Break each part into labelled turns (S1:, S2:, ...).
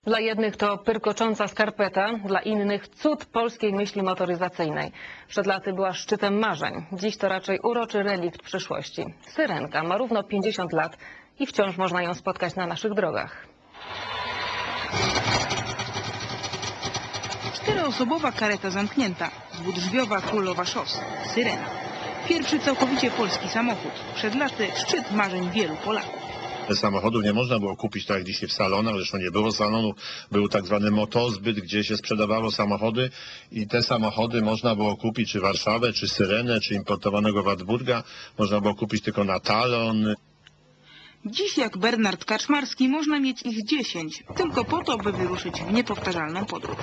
S1: Dla jednych to pyrkocząca skarpeta, dla innych cud polskiej myśli motoryzacyjnej. Przed laty była szczytem marzeń. Dziś to raczej uroczy relikt przyszłości. Syrenka ma równo 50 lat i wciąż można ją spotkać na naszych drogach.
S2: Czteroosobowa kareta zamknięta, dwudrzwiowa królowa szos, Syrena. Pierwszy całkowicie polski samochód. Przed laty szczyt marzeń wielu Polaków.
S3: Samochodów nie można było kupić tak jak dzisiaj w salonach, zresztą nie było salonu, był tak zwany motozbyt, gdzie się sprzedawało samochody i te samochody można było kupić czy Warszawę, czy Syrenę, czy importowanego Wartburga, można było kupić tylko na talon.
S2: Dziś jak Bernard Kaczmarski można mieć ich 10, tylko po to, by wyruszyć w niepowtarzalną podróż.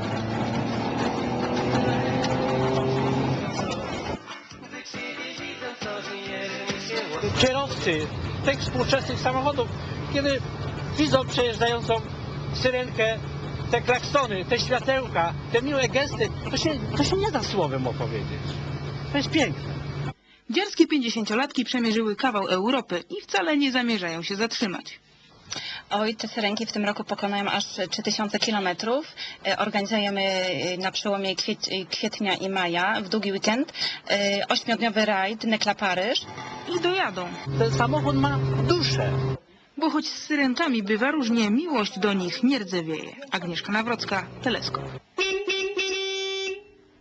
S4: Kierowcy tych współczesnych samochodów, kiedy widzą przejeżdżającą syrenkę, te klaksony, te światełka, te miłe gesty, to się nie da słowem opowiedzieć. To jest piękne.
S2: Dziarskie 50-latki przemierzyły kawał Europy i wcale nie zamierzają się zatrzymać.
S5: Oj, te syrenki w tym roku pokonają aż 3000 kilometrów. Organizujemy na przełomie kwietnia i maja, w długi weekend, 8-dniowy rajd Nekla-Paryż.
S2: I dojadą.
S4: Ten samochód ma duszę.
S2: Bo choć z syrenkami bywa różnie, miłość do nich nie rdzewieje. Agnieszka Nawrocka, Teleskop.